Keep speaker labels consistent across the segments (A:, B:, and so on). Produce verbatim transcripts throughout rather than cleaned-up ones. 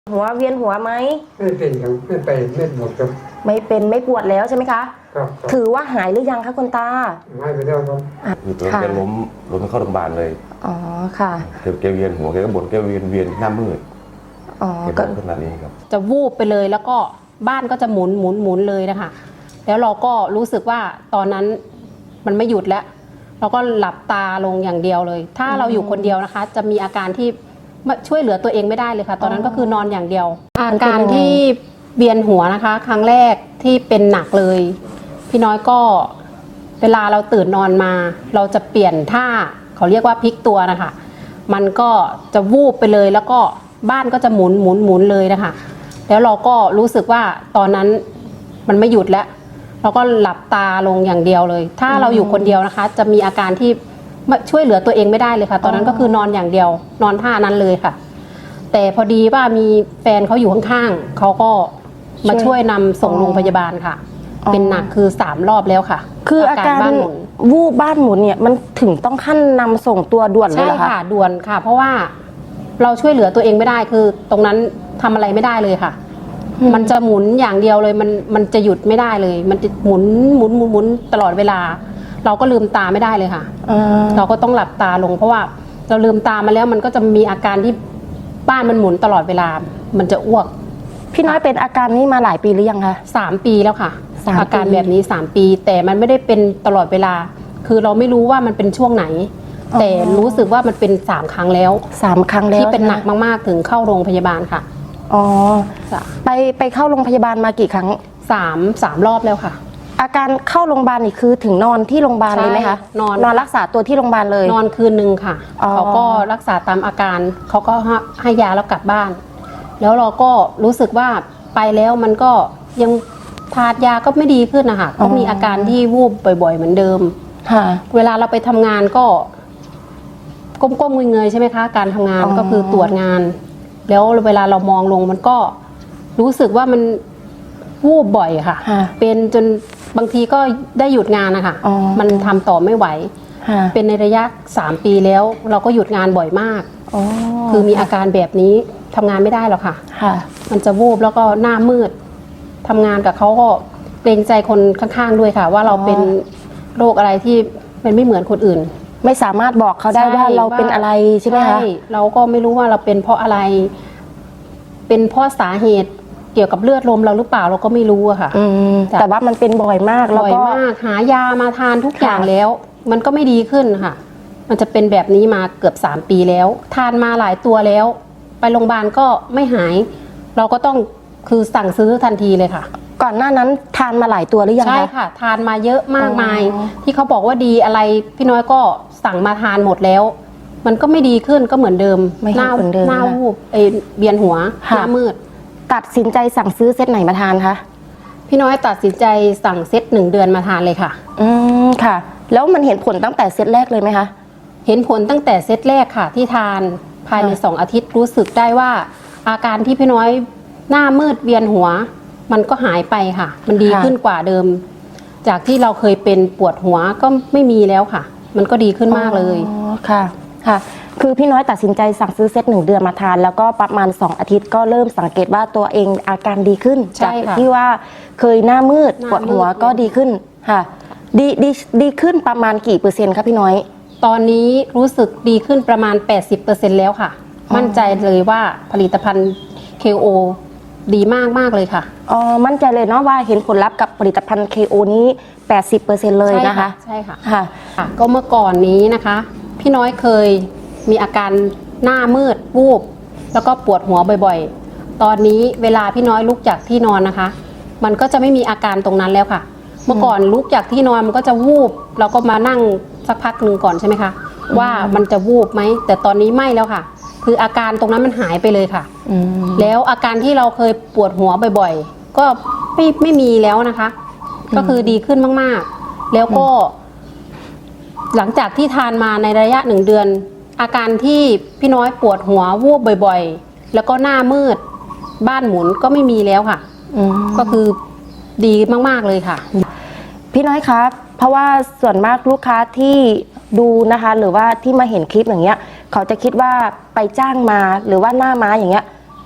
A: หัวเวียนหัวไหม
B: ไม่เป็นครับไม่ไปไม่ปวดครับ
A: ไม่เป็นไม่ปวดแล้วใช่ไหมคะ
B: ครับ
A: ถือว่าหายหรือยังคะคุณตา
B: หายไปแล้วครับ
C: คือตัวแกล้มล้มเข้าโรงพยาบาลเลย
A: อ๋อค่ะ
C: แกแกเวียนหัวแกก็บ่นแกเวียนเวียนหน้ามืด
A: อ๋อ
C: ก็ขนาดนี้ครับ
D: จะวูบไปเลยแล้วก็บ้านก็จะหมุนหมุนหมุนเลยนะคะแล้วเราก็รู้สึกว่าตอนนั้นมันไม่หยุดแล้วเราก็หลับตาลงอย่างเดียวเลยถ้าเราอยู่คนเดียวนะคะจะมีอาการที่ช่วยเหลือตัวเองไม่ได้เลยค่ะตอนนั้นก็คือนอนอย่างเดียวอาการที่เวียนหัวนะคะครั้งแรกที่เป็นหนักเลยพี่น้อยก็เวลาเราตื่นนอนมาเราจะเปลี่ยนท่าเขาเรียกว่าพลิกตัวนะคะมันก็จะวูบไปเลยแล้วก็บ้านก็จะหมุนหมุนหมุนเลยนะคะแล้วเราก็รู้สึกว่าตอนนั้นมันไม่หยุดแล้วเราก็หลับตาลงอย่างเดียวเลยถ้าเราอยู่คนเดียวนะคะจะมีอาการที่ช่วยเหลือตัวเองไม่ได้เลยค่ะตอนนั้นก็คือนอนอย่างเดียวนอนท่านั้นเลยค่ะแต่พอดีว่ามีแฟนเขาอยู่ข้างๆเขาก็มาช่วยนำส่งโรงพยาบาลค่ะเป็นหนักคือสามรอบแล้วค่ะ
A: คืออาการวูบบ้านหมุนเนี่ยมันถึงต้องขั้นนำส่งตัวด่วนเลยเหรอคะ
D: ใช่ค่ะด่วนค่ะเพราะว่าเราช่วยเหลือตัวเองไม่ได้คือตรงนั้นทำอะไรไม่ได้เลยค่ะมันจะหมุนอย่างเดียวเลยมันมันจะหยุดไม่ได้เลยมันจะหมุนหมุนหมุนหมุนตลอดเวลาเราก็ลืมตาไม่ได้เลยค่ะเราก็ต้องหลับตาลงเพราะว่าเราลืมตามาแล้วมันก็จะมีอาการที่บ้านมันหมุนตลอดเวลามันจะอ้วก
A: พี่น้อยเป็นอาการนี้มาหลายปีหรือยังคะ
D: สามปีแล้วค่ะอาการแบบนี้สามปีแต่มันไม่ได้เป็นตลอดเวลาคือเราไม่รู้ว่ามันเป็นช่วงไหนแต่รู้สึกว่ามันเป็นสามครั้งแล้ว
A: สามครั้งแล้ว
D: ที่เป็นหนักมากๆถึงเข้าโรงพยาบาลค่ะ
A: อ๋อไปไปเข้าโรงพยาบาลมากี่ครั้ง
D: สามสามรอบแล้วค่ะ
A: อาการเข้าโรงพยาบาลนี่คือถึงนอนที่โรงพยาบาลเลยไหมคะ
D: นอน
A: นอนรักษาตัวที่โรงพยาบาลเลย
D: นอนคืนหนึ่งค่ะเขาก็รักษาตามอาการเขาก็ให้ยาแล้วกลับบ้านแล้วเราก็รู้สึกว่าไปแล้วมันก็ยังทานยาก็ไม่ดีขึ้นนะคะก็มีอาการที่วูบบ่อยๆเหมือนเดิมค่ะเวลาเราไปทำงานก็ก้มๆเงยๆใช่ไหมคะการทำงานก็คือตรวจงานแล้วเวลาเรามองลงมันก็รู้สึกว่ามันวูบบ่อยค่ะเป็นจนบางทีก็ได้หยุดงานนะคะมันทำต่อไม่ไหวเป็นในระยะสามปีแล้วเราก็หยุดงานบ่อยมากคือมีอาการแบบนี้ทำงานไม่ได้หรอกค่ะมันจะวูบแล้วก็หน้ามืดทำงานกับเขาก็เกรงใจคนข้างๆด้วยค่ะว่าเราเป็นโรคอะไรที่มันไม่เหมือนคนอื่น
A: ไม่สามารถบอกเขาได้ว่าเราเป็นอะไรใช่ไหมคะ
D: เราก็ไม่รู้ว่าเราเป็นเพราะอะไรเป็นเพราะสาเหตุเกี่ยวกับเลือดลมเราหรือเปล่าเราก็ไม่รู้อะค่ะ
A: แต่ว่ามันเป็นบ่อยมาก
D: บ่อยมากหายามาทานทุกอย่างแล้วมันก็ไม่ดีขึ้นค่ะมันจะเป็นแบบนี้มาเกือบสามปีแล้วทานมาหลายตัวแล้วไปโรงพยาบาลก็ไม่หายเราก็ต้องคือสั่งซื้อทันทีเลยค่ะ
A: ก่อนหน้านั้นทานมาหลายตัวหรือยังคะ
D: ใช่ค่ะทานมาเยอะมากมายที่เขาบอกว่าดีอะไรพี่น้อยก็สั่งมาทานหมดแล้วมันก็ไม่ดีขึ้นก็เหมือนเดิม
A: หน้า
D: หน้าวูบเอเบียนหัวหน้ามืด
A: ตัดสินใจสั่งซื้อเซตไหนมาทานคะ
D: พี่น้อยตัดสินใจสั่งเซตหนึ่งเดือนมาทานเลยค่ะ
A: อืมค่ะแล้วมันเห็นผลตั้งแต่เซตแรกเลยไหมคะ
D: เห็นผลตั้งแต่เซตแรกค่ะที่ทานภายในสองอาทิตย์รู้สึกได้ว่าอาการที่พี่น้อยหน้ามืดเวียนหัวมันก็หายไปค่ะมันดีขึ้นกว่าเดิมจากที่เราเคยเป็นปวดหัวก็ไม่มีแล้วค่ะมันก็ดีขึ้นมากเลย
A: อ๋อค่ะค่ะคือพี่น้อยตัดสินใจสั่งซื้อเซตหนึ่งเดือนมาทานแล้วก็ประมาณสองอาทิตย์ก็เริ่มสังเกตว่าตัวเองอาการดีขึ้นจากที่ว่าเคยหน้ามืดปวดหัวก็ดีขึ้นค่ะดีดีดีขึ้นประมาณกี่เปอร์เซ็นต์ครับพี่น้อย
D: ตอนนี้รู้สึกดีขึ้นประมาณ แปดสิบเปอร์เซ็นต์ แล้วค่ะมั่นใจเลยว่าผลิตภัณฑ์ เค โอ ดีมากมากเลยค่ะ
A: อ๋อมั่นใจเลยเนาะว่าเห็นผลลัพธ์กับผลิตภัณฑ์ เค โอ นี้ แปดสิบเปอร์เซ็นต์ เลยนะคะ
D: ใช่ค่ะค่ะก็เมื่อก่อนนี้นะคะพี่น้อยเคยมีอาการหน้ามืดวูบแล้วก็ปวดหัวบ่อยๆตอนนี้เวลาพี่น้อยลุกจากที่นอนนะคะมันก็จะไม่มีอาการตรงนั้นแล้วค่ะเมื่อก่อนลุกจากที่นอนมันก็จะวูบเราก็มานั่งสักพักหนึ่งก่อนใช่ไหมคะว่ามันจะวูบไหมแต่ตอนนี้ไม่แล้วค่ะคืออาการตรงนั้นมันหายไปเลยค่ะแล้วอาการที่เราเคยปวดหัวบ่อยๆก็ไม่ไม่มีแล้วนะคะก็คือดีขึ้นมากๆแล้วก็หลังจากที่ทานมาในระยะหนึ่งเดือนอาการที่พี่น้อยปวดหัววูบบ่อยๆแล้วก็หน้ามืดบ้านหมุนก็ไม่มีแล้วค่ะก็คือดีมากๆเลยค่ะ
A: พี่น้อยครับเพราะว่าส่วนมากลูกค้าที่ดูนะคะหรือว่าที่มาเห็นคลิปอย่างเงี้ยเขาจะคิดว่าไปจ้างมาหรือว่าหน้าม้าอย่างเงี้ย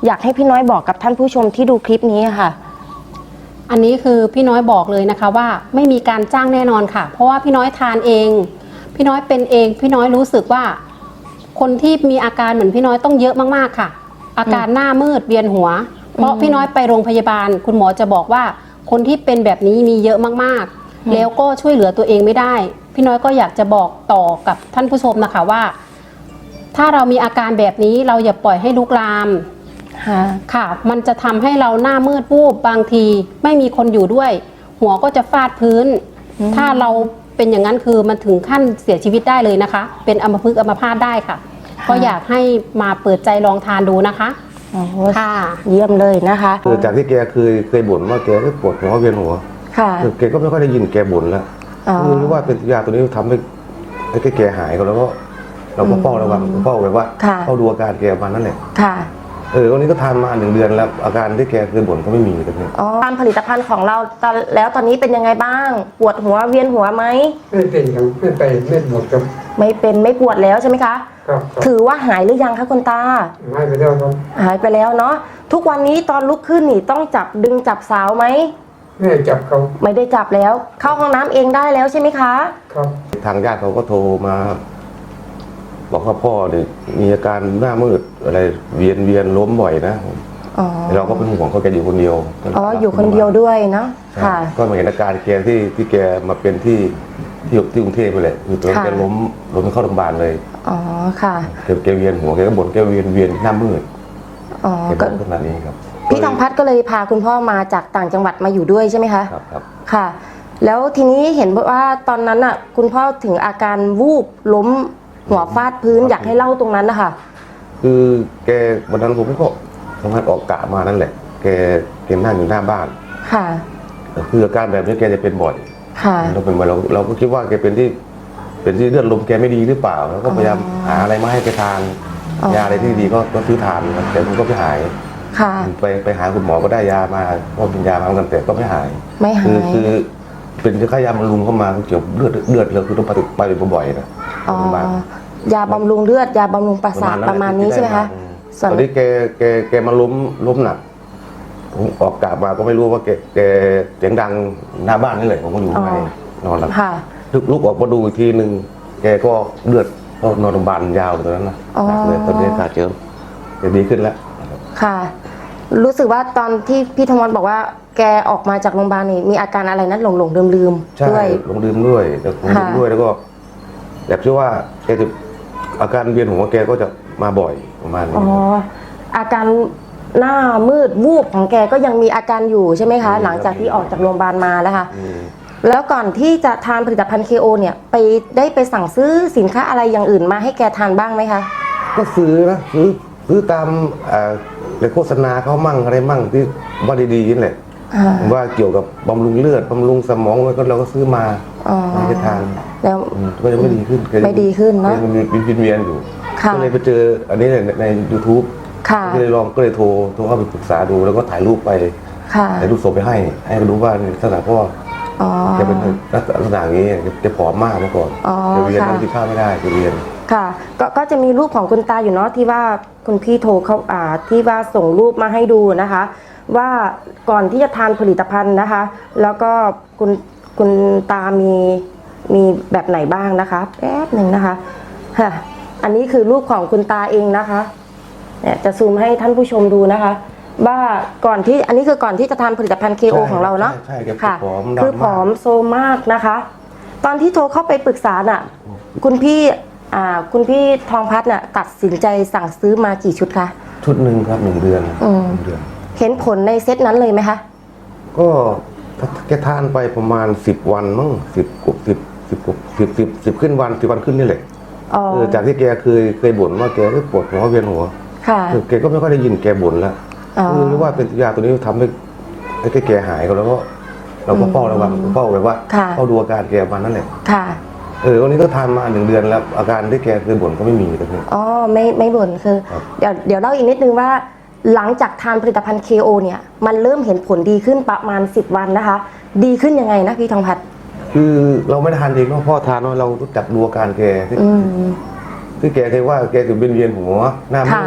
A: อยากให้พี่น้อยบอกกับท่านผู้ชมที่ดูคลิปนี้ค่ะ
D: อันนี้คือพี่น้อยบอกเลยนะคะว่าไม่มีการจ้างแน่นอนค่ะ เพราะว่าพี่น้อยทานเอง พี่น้อยเป็นเองพี่น้อยรู้สึกว่า คนที่มีอาการเหมือนพี่น้อยต้องเยอะมากๆค่ะ อาการหน้ามืดเวียนหัว เพราะพี่น้อยไปโรงพยาบาล คุณหมอจะบอกว่าคนที่เป็นแบบนี้มีเยอะมากๆ แล้วก็ช่วยเหลือตัวเองไม่ได้ พี่น้อยก็อยากจะบอกต่อกับท่านผู้ชมนะคะว่า ถ้าเรามีอาการแบบนี้เราอย่าปล่อยให้ลุกลามค่ะ มันจะทำให้เราหน้ามืดวูบบางทีไม่มีคนอยู่ด้วย หัวก็จะฟาดพื้น ถ้าเราเป็นอย่างนั้นคือมันถึงขั้นเสียชีวิตได้เลยนะคะ เป็นอัมพฤกษ์อัมพาตได้ค่ะ ก็อยากให้มาเปิดใจลองทานดูนะคะค่ะ
A: เยี่ยมเลยนะคะ
C: คือจากที่แกเคยเคยบ่นว่าแกปวดหัวเวียนหัว
A: ค่ะ
C: คือแกก็ไม่ค่อยได้ยินแกบ่นแล้ว
A: อ๋อ
C: คือรู้ว่าเป็นยาตัวนี้ทำให้ให้แกหายก็แล้วก็เราก็เฝ้าระวังเฝ้าแบบว่า
A: ค่ะ
C: เฝ้าดูอาการแกประมาณนั้นแหละ
A: ค่ะ
C: เออวันนี้ก็ทานมาหนึ่งเดือนแล้วอาการที่แกเคยบ่นก็ไม่มีตอนนี้
A: อ๋อตามผลิตภัณฑ์ของเราตอนแล้วตอนนี้เป็นยังไงบ้าง ปวดหัวเวียนหัวไหม
B: ไม่เป็นครับไม่ไปไม่หมดครับ
A: ไม่เป็นไม่ปวดแล้วใช่ไหมคะ
B: ครับครับ
A: ถือว่าหายหรือยังคะคุณตา
B: หายไปแล้วครับ
A: หายไปแล้วเนาะ ทุกวันนี้ตอนลุกขึ้นนี่ต้องจับดึงจับสาวไหม
B: ไม่ได้จับเขา
A: ไม่ได้จับแล้ว เข้าห้องน้ำเองได้แล้วใช่ไหมคะ
B: ครับ
C: ทางญาติเขาก็โทรมา บอกว่าพ่อเนี่ยมีอาการหน้ามืดอะไรเวียนเวียนล้มบ่อยนะ
A: อ๋อ
C: เราก็เป็นห่วงเขาแกอยู่คนเดียว
A: อ๋อ อยู่คนเดียวด้วยเนาะ
C: ใช่
A: ค่ะ
C: ก็มาเห็นอาการแกที่ที่แกมาเป็นที่ที่ที่กรุงเทพไปเลยคือตอนนั้น
A: ค่ะ
C: แกล้มล้มเข้าโรงพยาบาลเลย
A: อ๋อ ค่ะ
C: แกแกเวียนหัวแกก็บ่นแกเวียนเวียนหน้ามืด
A: อ๋อ
C: แก
A: ก็
C: บ่นขนาดนี้ครับ
A: พี่ทองพัฒน์ก็เลยพาคุณพ่อมาจากต่างจังหวัดมาอยู่ด้วยใช่ไหมคะ
C: ครับครับ
A: ค่ะ แล้วทีนี้เห็นว่าตอนนั้นอ่ะ คุณพ่อถึงอาการวูบล้มหัวฟาดพื้น อยากให้เล่าตรงนั้นนะคะ
C: คือแกวันนั้นผมก็ทำงานออกกะมานั่นแหละ แกแกนั่งอยู่หน้าบ้าน
A: ค่ะ
C: คืออาการแบบนี้แกจะเป็นบ่อย
A: ค่ะ
C: เราเป็นบ่อยเราเราก็คิดว่าแกเป็นที่เป็นที่เลือดลมแกไม่ดีหรือเปล่าแล้วก็พยายามหาอะไรมาให้แกทาน
A: อ๋อ
C: ยาอะไรที่ดีก็ก็ซื้อทานครับแต่มันก็ไม่หาย
A: ค่ะ
C: ไปไปหาคุณหมอก็ได้ยามาก็กินยามาเหมือนกันแต่ก็ไม่หาย
A: ไม่หา
C: คือย คือเป็นค่ายาบำรุงเข้ามาเกี่ยวกับเลือดเลือดเราคือต้องไปไปบ่อยๆนะ
A: อ๋อ
C: โรงพยาบาล
A: ยาบำรุงเลือด ยาบำรุงประสาทประมาณนี้ใช่ไหมคะ
C: ตอนนี้แกแกแกมาล้มล้มหนักผมออกกะมาก็ไม่รู้ว่าแกแกเสียงดังหน้าบ้านนี่แหละผมก็อยู่ข้างในนอนหลับ
A: ค่ะ
C: ลุกลุกออกมาดูอีกทีหนึ่งแกก็เลือดก็นอนโรงพยาบาลยาวเลยตอนนั้นนะ
A: อ๋อ
C: หนักเลยตอนนี้ขาดเจอจะดีขึ้นแล้วนะครับ
A: ค่ะ รู้สึกว่าตอนที่พี่ธมรบอกว่าแกออกมาจากโรงพยาบาลนี่มีอาการอะไรนะหลงหลงลืมลืมๆ
C: ใช่
A: ด้วย
C: ลงดื่มด้วยแล้วลงดื่ม
A: ค่ะ
C: ด้วยแล้วก็แบบที่ว่าแกจะอาการเวียนหัวแกก็จะมาบ่อยประมาณนี้
A: อ๋อ อาการหน้ามืดวูบของแกก็ยังมีอาการอยู่ใช่ไหมคะ หลังจากที่ออกจากโรงพยาบาลมาแล้วค่ะ
C: อืม
A: แล้วก่อนที่จะทานผลิตภัณฑ์ เค โอ เนี่ยไปได้ไปสั่งซื้อสินค้าอะไรอย่างอื่นมาให้แกทานบ้างไหมคะ
C: ก็ซื้อนะซื้อซื้อตามเอ่อในโฆษณาเขามั่งอะไรมั่งที่ว่าดีๆนี่แหละ
A: อ่า
C: ว่าเกี่ยวกับบำรุงเลือดบำรุงสมองแล้วก็เราก็ซื้อมา
A: อ๋อ
C: ให้แกทาน
A: แล้ว
C: อืมก็ยังไม่ดีขึ้นแกยัง
A: ไม่ดีขึ้นเนอะ
C: ยังมีวินเวียนอยู่
A: ค่ะ
C: ก็เลยไปเจออันนี้ในใน ยูทูบ
A: ค่ะ
C: ก็เลยลองก็เลยโทรโทรเข้าไปปรึกษาดูแล้วก็ถ่ายรูปไป
A: ค่ะ
C: ถ่ายรูปส่งไปให้ ให้เขารู้ว่าในลักษณะพ่อ
A: อ๋อ
C: แกเป็นลักษณะอย่างนี้แกผอมมากเมื่อก่อน
A: อ๋อ
C: แกเวียน
A: ค่ะ
C: นั่งกินข้าวไม่ได้แกเวียน
A: ค่ะก็ก็จะมีรูปของคุณตาอยู่เนาะที่ว่าคุณพี่โทรเขาอ่าที่ว่าส่งรูปมาให้ดูนะคะ ว่าก่อนที่จะทานผลิตภัณฑ์นะคะ แล้วก็คุณคุณตามีมีแบบไหนบ้างนะคะแป๊บหนึ่งนะคะค่ะอันนี้คือรูปของคุณตาเองนะคะเนี่ยจะซูมให้ท่านผู้ชมดูนะคะ ว่าก่อนที่อันนี้คือก่อนที่จะทานผลิตภัณฑ์ เค โอ
C: ใช่
A: ของเราเนาะ
C: ใช่ใช่
A: ค่ะ
C: ผอมดำมาก
A: คือผอมโซมากนะคะ ตอนที่โทรเข้าไปปรึกษาน่ะ คุณพี่อ่าคุณพี่ทองพัฒน์น่ะตัดสินใจสั่งซื้อมากี่ชุดคะ
C: ชุดหนึ่งครับหนึ่งเดือน
A: อืม
C: หนึ่งเดือน
A: เห็นผลในเซตนั้นเลยไหมคะ
C: ก็แกทานไปประมาณสิบวันมั้งสิบกว่าสิบสิบกว่าสิบสิบสิบขึ้นวันสิบวันขึ้นนี่แหละ
A: อ๋อ
C: เออจากที่แกเคยเคยบ่นว่าแกปวดหัวเวียนหัว
A: ค่ะ
C: คือแกก็ไม่ค่อยได้ยินแกบ่นแล้ว
A: อ๋อ
C: คือรู้ว่าเป็นยาตัวนี้ทำให้ให้แกหายก็แล้วก็เราก็เฝ้าระวังเฝ้าแบบว่า
A: ค่ะ
C: เฝ้าดูอาการแกประมาณนั้นแหละ
A: ค่ะ
C: เออวันนี้ก็ทานมาหนึ่งเดือนแล้ว อาการที่แกเคยบ่นก็ไม่มีตอนนี้
A: อ๋อไม่ไม่บ่นคือ
C: ครับ
A: เดี๋ยวเดี๋ยวเล่าอีกนิดนึงว่า หลังจากทานผลิตภัณฑ์ เค โอ เนี่ยมันเริ่มเห็นผลดีขึ้นประมาณสิบวันนะคะ ดีขึ้นยังไงนะพี่ทองพัฒน์
C: คือเราไม่ได้ทานเองเนาะพ่อทานเนาะเรารู้จักดูอาการแกที่
A: อืม
C: ที่แกเคยว่าแกจะเป็นเวียนหัวหน้ามื
A: ค่ะ
C: ด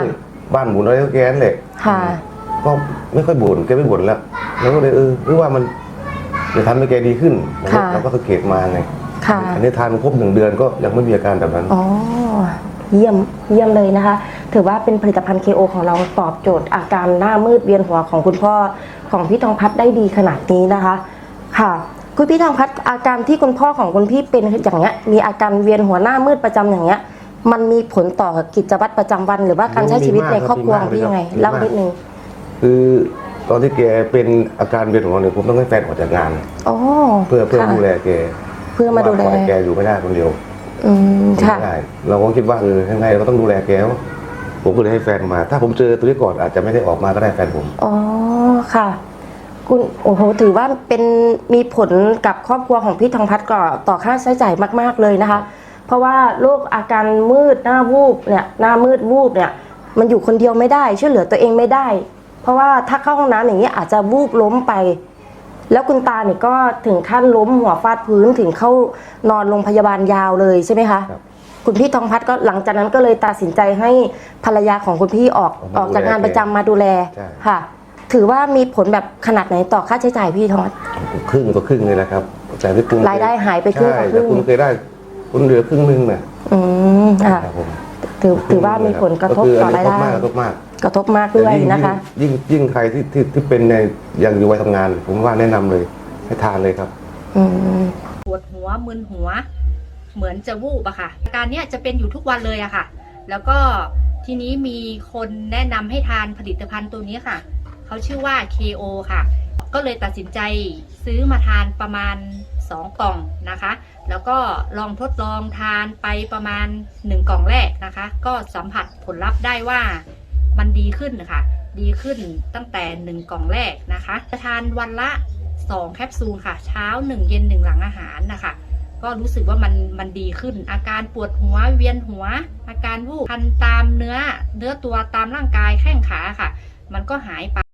C: บ้านหมุนอะไรก็แกนั่นแหละ
A: ค่ะ
C: ก็ไม่ค่อยบ่นแกไม่บ่นแล้วแล้วก็เลยเออหรือว่ามันจะทำให้แกดีขึ้น
A: ค่ะ
C: เราก็สังเกตมาไง
A: ค่ะ
C: อันนี้ทานครบหนึ่งเดือนก็ยังไม่มีอาการแบบนั้น
A: อ๋อเยี่ยมเยี่ยมเลยนะคะ ถือว่าเป็นผลิตภัณฑ์ เค โอ ของเราตอบโจทย์อาการหน้ามืดเวียนหัวของคุณพ่อของพี่ทองพัฒน์ได้ดีขนาดนี้นะคะ ค่ะ คุณพี่ทองพัฒน์อาการที่คุณพ่อของคุณพี่เป็นอย่างเงี้ยมีอาการเวียนหัวหน้ามืดประจำอย่างเงี้ย มันมีผลต่อกิจวัตรประจำวัน หรือว่าการใช้ชีวิตในครอบครัวของพี่ยังไงเล่านิดนึง
C: คือตอนที่แกเป็นอาการเวียนหัวเนี่ยผมต้องให้แฟนออกจากงาน
A: อ๋อ
C: เพื่อเพื่อ
A: ค่ะ
C: ดูแลแก
A: เพื่อมาดูแล
C: ว่ปอยแกอยู่ไม่ได้คนเดียว
A: อืมค่ะ
C: ไม่ได้เราก็คิดว่าเออยังไงเราก็ต้องดูแลแกผมก็เลยให้แฟนมา ถ้าผมเจอตัวนี้ก่อนอาจจะไม่ได้ออกมาก็ได้แฟนผม
A: อ๋อค่ะคุณโอ้โหถือว่าเป็นมีผลกับครอบครัวของพี่ทองพัฒน์ก่อต่อค่าใช้จ่ายมาก ๆเลยนะคะ เพราะว่าโรคอาการมืดหน้าวูบเนี่ยหน้ามืดวูบเนี่ยมันอยู่คนเดียวไม่ได้ช่วยเหลือตัวเองไม่ได้ เพราะว่าถ้าเข้าห้องน้ำอย่างนี้อาจจะวูบล้มไป แล้วคุณตาเนี่ยก็ถึงขั้นล้มหัวฟาดพื้นถึงเข้านอนโรงพยาบาลยาวเลยใช่ไหมคะ
C: ครับ
A: คุณพี่ทองพัฒน์ก็หลังจากนั้นก็เลยตัดสินใจให้ภรรยาของคุณพี่ออก
C: ออกมา
A: ออกจากงาน
C: ดูแล
A: ประจำมาดูแล
C: ใช่
A: ค่ะ ถือว่ามีผลแบบขนาดไหนต่อค่าใช้จ่ายพี่ทองพัฒน์
C: ครึ่งก็ครึ่งเลยแหละครับแต่ที่คุณ
A: รายได้หายไปครึ่งต่อครึ่ง
C: ใช่แต่คุณเคยได้คุณเหลือครึ่งหนึงน่ะ
A: อืมค่ะ
C: ครับผม
A: ถือถือว่ามีผลกระทบต่อรายได้
C: ก็คืออันนี้กระทบมากกระทบมาก
A: กระทบมากด้วย
C: แต่ง
A: นะคะ
C: ยิ่งยิ่งใครที่ที่ที่เป็นในยังอยู่วัยทำงาน ผมว่าแนะนำเลยให้ทานเลยครับ
A: อืม
E: ปวดหัวมึนหัว เหมือนจะวูบอะค่ะอาการเนี้ยจะเป็นอยู่ทุกวันเลยอะค่ะ แล้วก็ทีนี้มีคนแนะนำให้ทานผลิตภัณฑ์ตัวนี้ค่ะเขาชื่อว่า เค โอ ค่ะ ก็เลยตัดสินใจซื้อมาทานประมาณสองกล่องนะคะ แล้วก็ลองทดลองทานไปประมาณหนึ่งกล่องแรกนะคะ ก็สัมผัสผลลัพธ์ได้ว่ามันดีขึ้นค่ะ ดีขึ้นตั้งแต่หนึ่งกล่องแรกนะคะจะทานวันละสองแคปซูลค่ะ เช้าหนึ่งเย็นหนึ่งหลังอาหารนะคะ ก็รู้สึกว่ามันมันดีขึ้น อาการปวดหัวเวียนหัว อาการวูบคันตามเนื้อเนื้อตัวตามร่างกายแข้งขาค่ะ มันก็หายไป